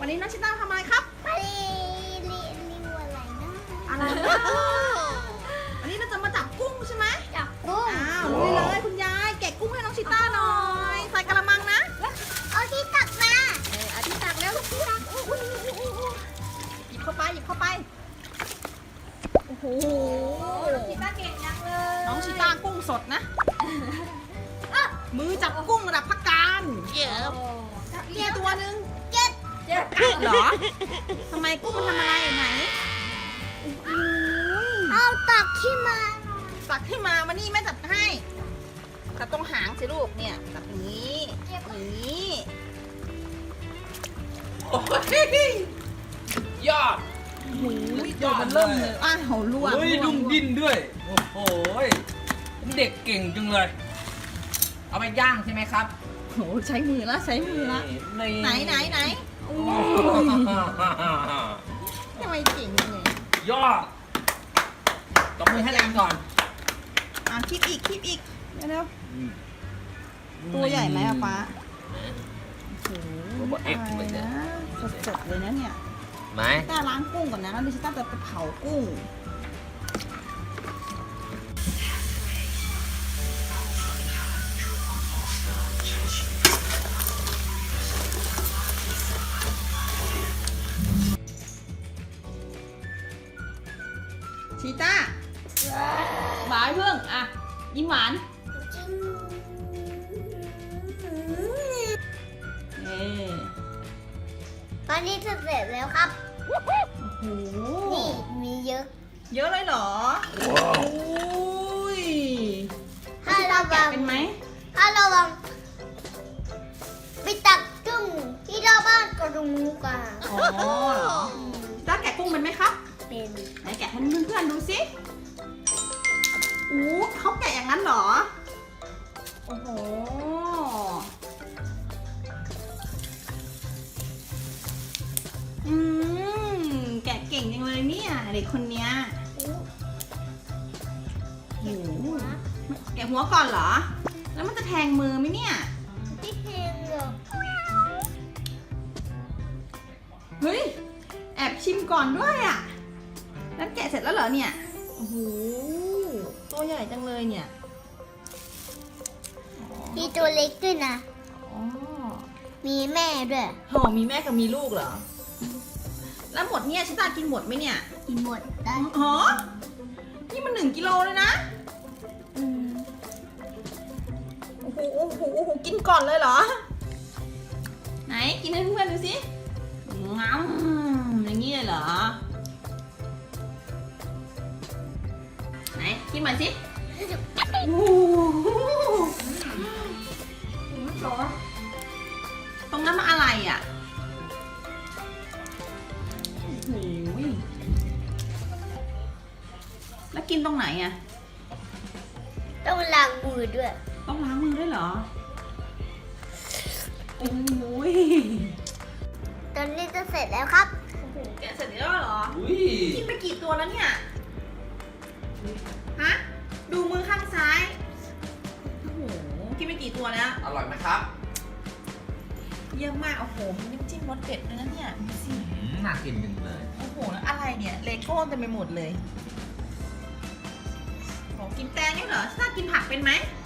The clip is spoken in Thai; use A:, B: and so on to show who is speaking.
A: วันนี้น้องชิต้าทำอะไรครับ
B: ไปรีวิวอะไรนะ
A: อะไรนะวันนี้เราจะมาจับกุ้งใช่ไหม
B: จับกุ้ง
A: อ้าวลุยเลยคุณยายแกะกุ้งให้น้องชิต้าหน่อยใส่กระมังนะ
B: เอาที่ตักมา
A: อาทิตย์ตักแล้วลูกที่ตักอุ้ยหยิบเข้าไปหยิบเข้าไปโอ้โห
B: ชิต้าเก่งจังเลย
A: น้องชิต้ากุ้งสดนะมือจับกุ้งระดับพักการเนี่ยตัวหนึ่งเจ็ดเหรอทำไมกุ้งมันทำอะไรไหน
B: เอาตักที่มา
A: ตักให้มานี่แม่จับให้จับตรงหางสิลูกเนี่ยจับอย่างนี้อย่างนี้
C: โอ้ยยอด
A: หูยตัวมันเริ่มเลยอ้าวล่วง
C: เฮ้ยดุ้งดิ้นด้วย โอ้โหเด็กเก่งจังเลย เอาไปย่างใช่ไหมครับ
A: โหใช้มือละใช้มือละไหนโอ้ยทำไมเก่งเลย
C: ยอดตบมือให้แรงก่อน
A: คลิปอีกเร็วๆตัวใหญ่ไหมอะป๊าโอ้โหอะไรนะสดๆเลยนะเนี่ย
C: ไหม
A: ต้าล้างกุ้งก่อนนะแล้วดิฉันต้าจะเผากุ้งชีต้าหวานเพิ่งอ่ะยิ้มหวานเอ๊
B: ตอนนี้จะเสร็จแล้วครับ
A: โอ้โห
B: นี่มีเยอะ
A: เยอะเลยเหรออุ้ย
B: ถ้าระวัง
A: เป็นไหม
B: ถ้าระวังไปตักกุ้งที่เราบ้านกระดูกอ่ะ
A: อ๋อเหรอต้าแกะกุ้งเป็นไหมครับ
B: เป็น
A: ไหนแกะให้เพื่อนๆดูสิอู้เขาแกะอย่างนั้นเหรอ โอ้โห แกะเก่งจังเลยเนี่ยเด็กคนเนี้ยโอ้โหแกะหัวก่อนเหรอ แล้วมันจะแทงมือไหมเนี่ย
B: พี่เพลงเหรอ
A: เฮ้ย แอบชิมก่อนด้วยอ่ะ แล้วแกะเสร็จแล้วเหรอเนี่ย โอ้โห ตัวใหญ่จังเลยเนี่ย
B: มีตัวเล็กด้วยนะ
A: อ๋อ
B: มีแม่ด้วย
A: โหมีแม่กับมีลูกเหรอ แล้วหมดเนี่ยชิตากินหมดไหมเนี่ย
B: กินหมดได้
A: อ๋อ นี่มัน1 กิโลเลยนะ
B: อืม
A: โอ้โห โอ้โห โอ้โห กินก่อนเลยเหรอ ไหน กินให้เพื่อนๆดูสิงั้มอย่างนี้เลยเหรอ ไหน กินมาสิโอ้โหตรงนั้นมันอะไรอ่ะโอ้โหแล้วกินตรงไหนอ่ะ
B: ต้องล้างมือด้วย
A: ต้องล้างมือด้วยเหรอ โอ้ย
B: ตอนนี้จะเสร็จแล้วครับ
A: แกะเสร็จแล้วเหรอ
C: อุ้ย
A: กินไปกี่ตัวแล้วเนี่ย ฮะ ดูมือข้างซ้าย โอ้โห กินไปกี่ตัวแล้ว
C: อร่อยไหมครับ
A: เยี่ยมมาก โอ้โห มีน้ำจิ้มรสเด็ดด้วยนะเนี่ยดูสิ
C: น่ากินจังเลย
A: โอ้โห แล้วอะไรเนี่ย เลโก้เต็มไปหมดเลยโอ้กินแตงนี่เหรอชากินผักเป็นไหม